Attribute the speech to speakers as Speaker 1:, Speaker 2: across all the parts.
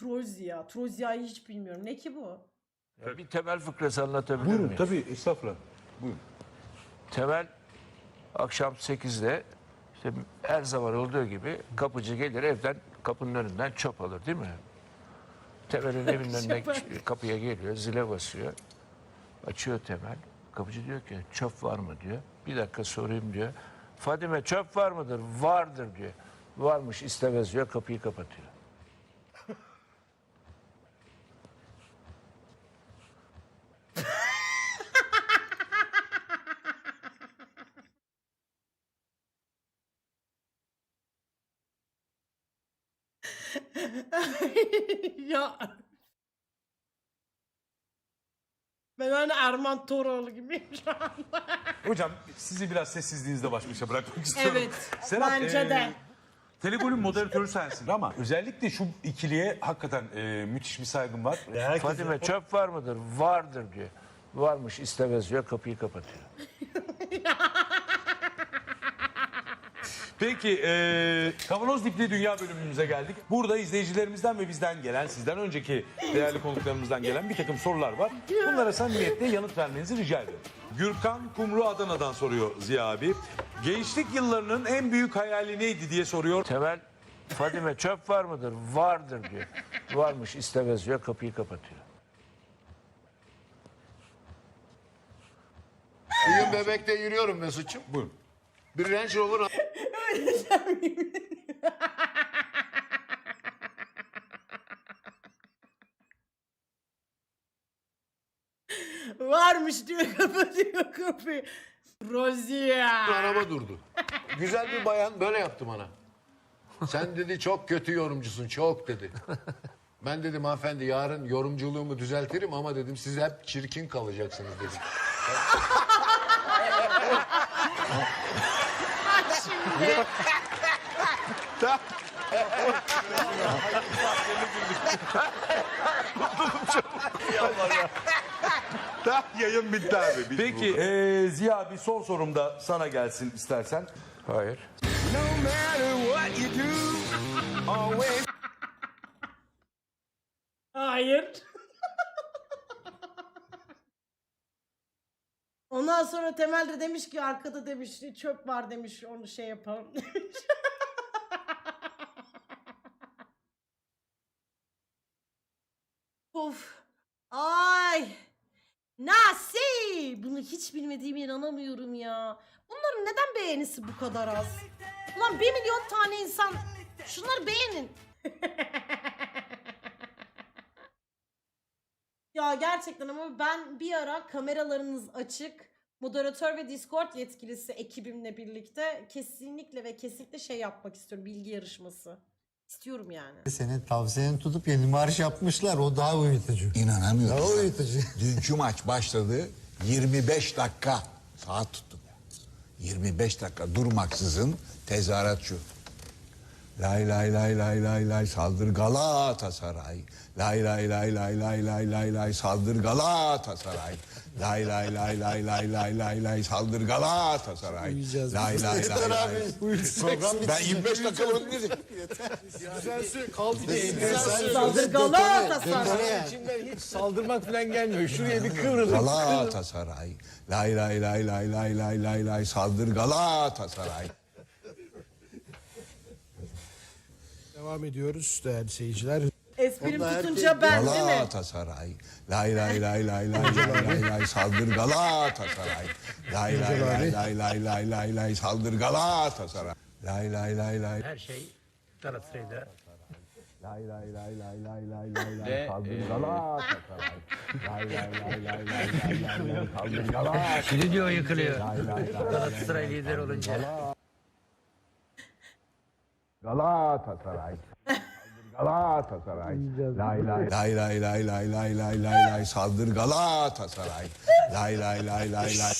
Speaker 1: Trozya. Trozya'yı hiç bilmiyorum. Ne ki bu?
Speaker 2: Ya bir temel fıkrası anlatabilir
Speaker 3: Buyurun
Speaker 2: miyim?
Speaker 3: tabii estağfurullah. Buyurun.
Speaker 2: Temel akşam 8'de işte her zaman olduğu gibi kapıcı gelir evden kapının önünden çöp alır değil mi? Temel'in evinin önüne kapıya geliyor, zile basıyor. Açıyor Temel. Kapıcı diyor ki çöp var mı diyor. Bir dakika sorayım diyor. Fadime çöp var mıdır? Vardır diyor. Varmış istemez diyor, kapıyı kapatıyor.
Speaker 1: Ya. Ben hani Erman Toroğlu gibiyim şu anda.
Speaker 3: Hocam sizi biraz sessizliğinizde baş başa bırakmak istiyorum.
Speaker 1: Evet.
Speaker 3: Serap,
Speaker 1: Bence de.
Speaker 3: Telegol'ün moderatörü sensin ama özellikle şu ikiliye hakikaten müthiş bir saygım var.
Speaker 2: Fadime çöp var mıdır? Vardır diyor. Varmış istemez diyor, kapıyı kapatıyor.
Speaker 3: Peki Kavanoz Dipli Dünya bölümümüze geldik. Burada izleyicilerimizden ve bizden gelen, sizden önceki değerli konuklarımızdan gelen bir takım sorular var. Bunlara samimiyetle yanıt vermenizi rica ediyorum. Gürkan Kumru Adana'dan soruyor Ziya abi. Gençlik yıllarının en büyük hayali neydi diye soruyor.
Speaker 2: Temel, Fadime çöp var mıdır? Vardır diyor. Varmış istemez diyor, kapıyı kapatıyor.
Speaker 4: Bir gün Bebek'te yürüyorum Mesut'cum.
Speaker 3: Buyurun.
Speaker 4: Bir Range Rover
Speaker 1: Varmış diyor, kapatıyor kapıyı. Trozya.
Speaker 4: araba durdu. Güzel bir bayan böyle yaptı bana. Sen dedi çok kötü yorumcusun çok dedi. Ben dedim hanımefendi yarın yorumculuğumu düzeltirim ama dedim siz hep çirkin kalacaksınız dedim.
Speaker 1: Şimdi.
Speaker 3: Yayın bitti abi. Peki Ziya abi son sorum da sana gelsin istersen.
Speaker 2: Hayır.
Speaker 1: Hayır. Ondan sonra Temel de demiş ki arkada demiş çöp var demiş onu şey yapalım demiş. Of. Ay. Nasıl? Bunu hiç bilmediğime inanamıyorum ya. Bunların neden beğenisi bu kadar az? Ulan 1 milyon tane insan şunları beğenin. Ya gerçekten ama ben bir ara kameralarınız açık, moderatör ve Discord yetkilisi ekibimle birlikte kesinlikle ve kesinlikle şey yapmak istiyorum. Bilgi yarışması. İstiyorum yani.
Speaker 5: Senin tavsiyeni tutup yeni marş yapmışlar. O daha uyutucu.
Speaker 6: İnanamıyorum.
Speaker 5: Daha uyutucu.
Speaker 6: Dünkü maç başladı. 25 dakika saat tuttum. 25 dakika durmaksızın tezahürat şu. Lay lay lay lay lay lay saldır Galatasaray. Lay lay lay lay lay lay lay lay saldır Galatasaray. Lay lay lay lay lay lay lay lay saldır Galatasaray.
Speaker 5: Uyuyacağız.
Speaker 6: Lay lay
Speaker 5: Yeter
Speaker 6: lay
Speaker 5: abi.
Speaker 6: lay.
Speaker 5: Program
Speaker 6: Ben 25 dakika bunu dedim.
Speaker 1: Saldır Galatasaray.
Speaker 5: İçimden hiç saldırmak falan gelmiyor. Şuraya bir kıvrılın.
Speaker 6: Galatasaray. Lay lay lay lay lay lay lay lay saldır Galatasaray.
Speaker 7: Devam ediyoruz değerli seyirciler.
Speaker 1: Esprim
Speaker 5: Vallahi
Speaker 1: tutunca ben değil mi?
Speaker 6: Galatasaray. Lay lay lay lay lay lay lay lay saldır Galatasaray. Lay lay lay lay lay lay lay lay saldır Galatasaray. Lay lay lay lay
Speaker 8: Her şey Galatasaray'da.
Speaker 6: lay lay lay lay lay lay lay lay saldır Galatasaray. Lay lay lay lay lay lay lay lay saldır Galatasaray.
Speaker 8: Stüdyo yıkılıyor.
Speaker 6: Lay lay lay
Speaker 8: Galatasaray lider olunca.
Speaker 6: Galatasaray. Galatasaray. Lay lay lay lay lay lay lay lay lay lay saldır Galatasaray. Lay lay lay lay lay.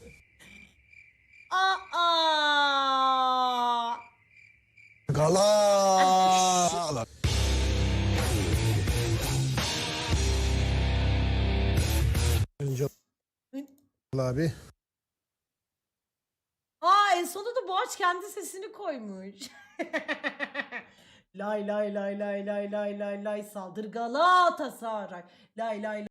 Speaker 1: Aa!
Speaker 6: Gala.
Speaker 7: Abi.
Speaker 1: Aa en sonunda da Boğaç kendi sesini koymuş. Lay lay lay lay lay lay lay lay saldır Galatasaray. Lay lay